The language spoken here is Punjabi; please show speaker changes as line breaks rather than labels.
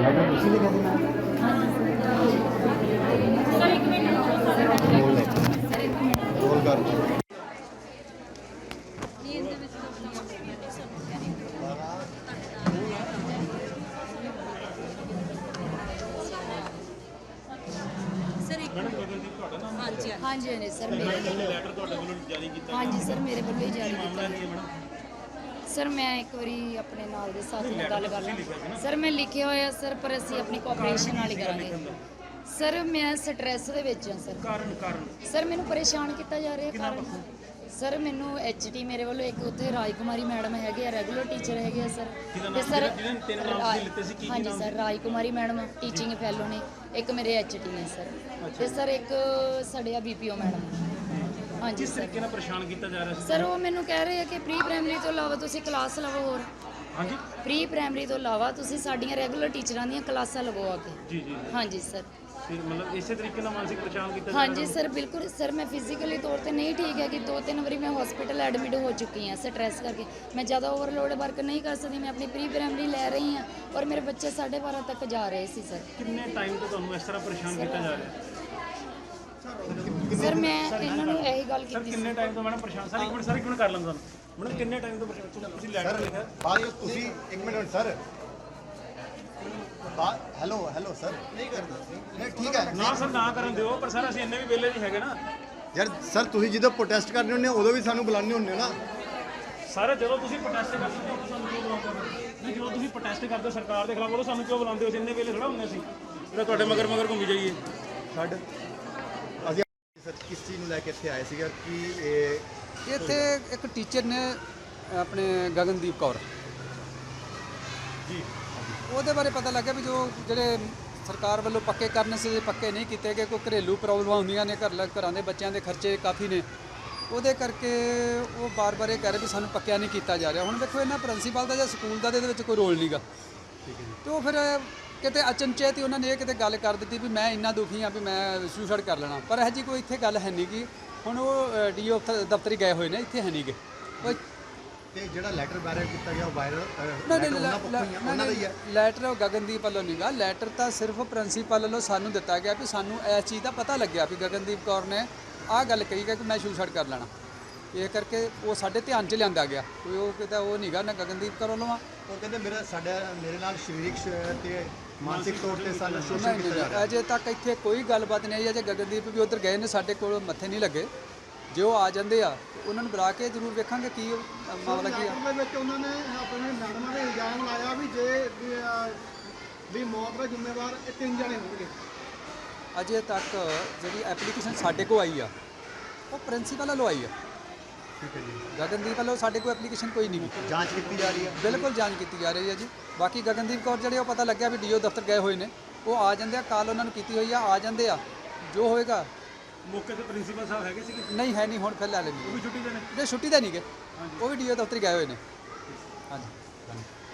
ਲੈਟਰ ਤੁਸੀਂ ਲਿਖਿਆ ਸੀ ਨਾ
ਸਰ ਇੱਕ ਮਿੰਟ
ਬੋਲ ਰੋਲ ਕਰ
हाँ जी हाँ जी सर हाँ जी सर मेरे वालों ही जारी किया सर मैं एक बारी अपने नाल दे साथी नाल गल कर ਲਾਂ सर मैं लिखिया होया सर पर ਅਸੀਂ ਆਪਣੀ ਕੋਆਪਰੇਸ਼ਨ ਨਾਲ ਹੀ ਕਰਾਂਗੇ सर मैं स्ट्रैस ਦੇ ਵਿੱਚ ਹਾਂ ਕਾਰਨ ਸਰ ਮੈਨੂੰ ਪਰੇਸ਼ਾਨ ਕੀਤਾ ਜਾ ਰਿਹਾ ਕਾਰਨ ਸਰ ਮੈਨੂੰ ਐਚਟੀ ਮੇਰੇ ਵੱਲੋਂ ਇੱਕ ਉੱਥੇ ਰਾਜਕੁਮਾਰੀ ਮੈਡਮ ਹੈਗੇ ਆ ਰੈਗੂਲਰ ਟੀਚਰ ਹੈਗੇ ਆ ਸਰ ਤੇ ਸਰ ਹਾਂਜੀ sir Rajkumari madam teaching fellow ਨੇ ਇੱਕ ਮੇਰੇ ਐਚਟੀ ਨੇ ਸਰ ਤੇ ਸਰ ਇੱਕ ਸਾਡੇ ਆ ਬੀਪੀਓ ਮੈਡਮ ਹਾਂਜੀ
ਕਿਸ ਤਰੀਕੇ ਨਾਲ ਪਰੇਸ਼ਾਨ ਕੀਤਾ ਜਾ ਰਿਹਾ ਸੀ
ਸਰ ਉਹ ਮੈਨੂੰ ਕਹਿ ਰਹੇ ਆ ਕਿ ਪ੍ਰੀ ਪ੍ਰਾਇਮਰੀ ਤੋਂ ਇਲਾਵਾ ਤੁਸੀਂ ਕਲਾਸ ਲਵੋ ਹੋਰ
ਹਾਂਜੀ
ਪ੍ਰੀ ਪ੍ਰਾਇਮਰੀ ਤੋਂ ਇਲਾਵਾ ਤੁਸੀਂ ਸਾਡੀਆਂ ਰੈਗੂਲਰ ਟੀਚਰਾਂ ਦੀਆਂ ਕਲਾਸਾਂ ਲਵੋ ਆ ਕੇ
ਜੀ ਜੀ
ਹਾਂਜੀ ਸਰ
ਮਤਲਬ ਇਸੇ ਤਰੀਕੇ ਨਾਲ ਮਾਨਸਿਕ ਪਰੇਸ਼ਾਨ ਕੀਤਾ ਜਾ
ਹਾਂਜੀ ਸਰ ਬਿਲਕੁਲ ਸਰ ਮੈਂ ਫਿਜ਼ੀਕਲੀ ਤੌਰ ਤੇ ਨਹੀਂ ਠੀਕ ਹੈ ਕਿ 2-3 ਵਾਰੀ ਮੈਂ ਹਸਪੀਟਲ ਐਡਮਿਟ ਹੋ ਚੁੱਕੀ ਹਾਂ ਸਟ੍ਰੈਸ ਕਰਕੇ ਮੈਂ ਜ਼ਿਆਦਾ ਓਵਰਲੋਡ ਵਰਕ ਨਹੀਂ ਕਰ ਸਕਦੀ ਮੈਂ ਆਪਣੀ ਪ੍ਰੀ ਪ੍ਰਾਇਮਰੀ ਲੈ ਰਹੀ ਹਾਂ ਔਰ ਮੇਰੇ ਬੱਚੇ 12:30 ਤੱਕ ਜਾ ਰਹੇ ਸੀ ਸਰ
ਕਿੰਨੇ ਟਾਈਮ ਤੋਂ ਤੁਹਾਨੂੰ ਇਸ ਤਰ੍ਹਾਂ ਪਰੇਸ਼ਾਨ ਕੀਤਾ ਜਾ ਰਿਹਾ
ਸਰ ਮੈਂ ਇਹਨਾਂ ਨੂੰ ਇਹੀ ਗੱਲ
ਸਰ
ਕੀਤੀ
ਕਿੰਨੇ ਟਾਈਮ ਤੋਂ ਮੈਡਮ ਪਰੇਸ਼ਾਨ ਸਰ ਇੱਕ ਮਿੰਟ ਕਰ ਲੈਂਦਾ ਤੁਹਾਨੂੰ ਮੈਡਮ ਕਿੰਨੇ ਟਾਈਮ ਤੋਂ ਪਰੇਸ਼ਾਨ ਤੁਸੀਂ ਲੈਟਰ ਲਿਖਿਆ
ਬਾਅਦ ਤੁਸੀਂ 1 minute sir hello hello sir ਨਹੀਂ ਕਰਦਾ ਨਹੀਂ ਠੀਕ ਹੈ
ਨਾ ਸਰ ਨਾ ਕਰਨ ਦਿਓ ਪਰ ਸਰ ਅਸੀਂ ਇੰਨੇ ਵੀ ਵਿਹਲੇ ਨਹੀਂ ਹੈਗੇ ਨਾ
ਯਾਰ ਸਰ ਤੁਸੀਂ ਜਦੋਂ ਪ੍ਰੋਟੈਸਟ ਕਰਦੇ ਹੁੰਦੇ ਹੋ ਉਦੋਂ ਵੀ ਸਾਨੂੰ ਬੁਲਾਉਂਦੇ ਹੁੰਦੇ ਹੋ ਨਾ
ਸਰ ਜਦੋਂ ਤੁਸੀਂ ਪ੍ਰੋਟੈਸਟ ਕਰਦੇ ਹੋ ਸਾਨੂੰ ਕਿਉਂ ਬੁਲਾਉਂਦੇ ਹੋ ਨਹੀਂ ਜਦੋਂ ਤੁਸੀਂ ਪ੍ਰੋਟੈਸਟ ਕਰਦੇ ਹੋ ਸਰਕਾਰ ਦੇ ਖਿਲਾਫ ਉਦੋਂ ਸਾਨੂੰ ਕਿਉਂ ਬੁਲਾਉਂਦੇ ਹੋ ਅਸੀਂ ਇੰਨੇ ਵੇਲੇ ਥੋੜਾ ਹੁੰਦੇ ਸੀ ਜਿਹੜਾ ਤੁਹਾਡੇ ਮਗਰ ਘੁੰਮੀ ਜਾਈਏ
ਛੱਡ ਅਸੀਂ ਸਰ ਕਿਸ ਚੀਜ਼ ਨੂੰ ਲੈ ਕੇ ਇੱਥੇ ਆਏ ਸੀਗਾ ਕਿ ਇਹ
ਇੱਥੇ ਇੱਕ ਟੀਚਰ ਨੇ ਆਪਣੇ ਗਗਨਦੀਪ ਕੌਰ
ਜੀ
ਉਹਦੇ ਬਾਰੇ ਪਤਾ ਲੱਗਾ ਵੀ ਜੋ ਜਿਹੜੇ ਸਰਕਾਰ ਵੱਲੋਂ ਪੱਕੇ ਕਰਨ ਸੀ ਪੱਕੇ ਨਹੀਂ ਕੀਤੇ ਗਏ ਕੋਈ ਘਰੇਲੂ ਪ੍ਰੋਬਲਮਾਂ ਹੁੰਦੀਆਂ ਨੇ ਘਰਾਂ ਦੇ ਬੱਚਿਆਂ ਦੇ ਖਰਚੇ ਕਾਫੀ ਨੇ ਉਹਦੇ ਕਰਕੇ ਉਹ ਬਾਰ-ਬਾਰ ਇਹ ਕਹਿ ਰਹੇ ਵੀ ਸਾਨੂੰ ਪੱਕਿਆ ਨਹੀਂ ਕੀਤਾ ਜਾ ਰਿਹਾ ਹੁਣ ਦੇਖੋ ਇਹਨਾਂ ਪ੍ਰਿੰਸੀਪਲ ਦਾ ਜਾਂ ਸਕੂਲ ਦਾ ਇਹਦੇ ਵਿੱਚ ਕੋਈ ਰੋਲ ਨਹੀਂਗਾ ਤੇ ਉਹ ਫਿਰ ਕਿਤੇ ਅਚਨਚੇਤ ਹੀ ਉਹਨਾਂ ਨੇ ਇਹ ਕਿਤੇ ਗੱਲ ਕਰ ਦਿੱਤੀ ਵੀ ਮੈਂ ਇੰਨਾ ਦੁਖੀ ਹਾਂ ਵੀ ਮੈਂ ਸੁਸਾਈਡ ਕਰ ਲੈਣਾ ਪਰ ਇਹ ਜੀ ਕੋਈ ਇੱਥੇ ਗੱਲ ਹੈ ਨਹੀਂ ਗੀ ਹੁਣ ਉਹ ਡੀਓ ਦਫ਼ਤਰੀ ਗਏ ਹੋਏ ਨੇ ਇੱਥੇ ਹੈ ਨਹੀਂਗੇ
ਤੇ ਜਿਹੜਾ ਲੈਟਰ ਵਾਇਰਲ ਕੀਤਾ ਗਿਆ ਉਹ ਵਾਇਰਲ
ਉਹਨਾਂ ਦਾ ਹੀ ਹੈ ਲੈਟਰ ਗਗਨਦੀਪ ਵੱਲੋਂ ਨਹੀਂਗਾ ਲੈਟਰ ਤਾਂ ਸਿਰਫ ਪ੍ਰਿੰਸੀਪਲ ਵੱਲੋਂ ਸਾਨੂੰ ਦਿੱਤਾ ਗਿਆ ਵੀ ਸਾਨੂੰ ਇਸ ਚੀਜ਼ ਦਾ ਪਤਾ ਲੱਗਿਆ ਵੀ ਗਗਨਦੀਪ ਕੌਰ ਨੇ ਆਹ ਗੱਲ ਕਹੀ ਕਿ ਮੈਂ ਸੁਸਾਈਡ ਕਰ ਲੈਣਾ ਇਹ ਕਰਕੇ ਉਹ ਸਾਡੇ ਧਿਆਨ 'ਚ ਲਿਆਂਦਾ ਗਿਆ ਕੋਈ ਉਹ ਕਿਤਾ ਉਹ ਨਹੀਂਗਾ ਨਾ ਗਗਨਦੀਪ ਕੌਰ ਵੱਲੋਂ ਆ
ਉਹ ਕਹਿੰਦੇ ਮੇਰੇ ਨਾਲ ਸਰੀਰਕ ਤੇ ਮਾਨਸਿਕ ਤੌਰ ਤੇ ਸਾਨੂੰ ਸ਼ੋਸ਼ਣ ਕੀਤਾ ਜਾ ਰਿਹਾ
ਅਜੇ ਤੱਕ ਇੱਥੇ ਕੋਈ ਗੱਲਬਾਤ ਨਹੀਂ ਆਈ ਅਜੇ ਗਗਨਦੀਪ ਵੀ ਉੱਧਰ ਗਏ ਨੇ ਸਾਡੇ ਕੋਲ ਮੱਥੇ ਨਹੀਂ ਲੱਗੇ ਜੇ ਉਹ ਆ ਜਾਂਦੇ ਆ ਉਹਨਾਂ ਨੂੰ ਬੁਲਾ ਕੇ ਜ਼ਰੂਰ ਵੇਖਾਂਗੇ ਕੀ ਮਾਮਲਾ ਕੀ ਆ
ਦੇ ਵਿੱਚ ਉਹਨਾਂ ਨੇ ਆਪਣੇ ਮੈਡਮਾਂ ਦੇ ਇਲਜ਼ਾਮ ਲਾਇਆ ਵੀ ਵੀ ਮੌਤ ਦਾ ਜ਼ਿੰਮੇਵਾਰ ਇਹ 3 ਜਣੇ ਹੋਣਗੇ
ਅਜੇ ਤੱਕ ਜਿਹੜੀ ਐਪਲੀਕੇਸ਼ਨ ਸਾਡੇ ਕੋਲ ਆਈ ਆ ਉਹ ਪ੍ਰਿੰਸੀਪਲ ਵੱਲੋਂ ਆਈ ਆ
ਠੀਕ ਹੈ ਜੀ
ਗਗਨਦੀਪ ਵੱਲੋਂ ਸਾਡੇ ਕੋਲ ਐਪਲੀਕੇਸ਼ਨ ਕੋਈ ਨਹੀਂ ਗੀ
ਜਾਂਚ ਕੀਤੀ ਜਾ ਰਹੀ ਹੈ
ਬਿਲਕੁਲ ਜਾਂਚ ਕੀਤੀ ਜਾ ਰਹੀ ਹੈ ਜੀ ਬਾਕੀ ਗਗਨਦੀਪ ਕੌਰ ਜਿਹੜੇ ਉਹ ਪਤਾ ਲੱਗਿਆ ਵੀ ਡੀਓ ਦਫ਼ਤਰ ਗਏ ਹੋਏ ਨੇ ਉਹ ਆ ਜਾਂਦੇ ਆ ਕਾਲ ਉਹਨਾਂ ਨੂੰ ਕੀਤੀ ਹੋਈ ਆ ਜਾਂਦੇ ਆ ਜੋ ਹੋਏਗਾ
ਮੌਕੇ ਤੇ ਪ੍ਰਿੰਸੀਪਲ ਸਾਹਿਬ ਹੈਗੇ ਸੀਗੇ
ਨਹੀਂ ਹੈ ਨਹੀਂ ਹੁਣ ਫਿਰ ਲੈ ਲੈਣੀ
ਉਹ ਵੀ ਛੁੱਟੀ ਦੇ ਨੇ
ਜੇ ਛੁੱਟੀ ਤਾਂ ਨਹੀਂ ਗਏ ਉਹ ਵੀ ਡੀਓ ਦਫ਼ਤਰ ਗਏ ਹੋਏ ਨੇ ਹਾਂਜੀ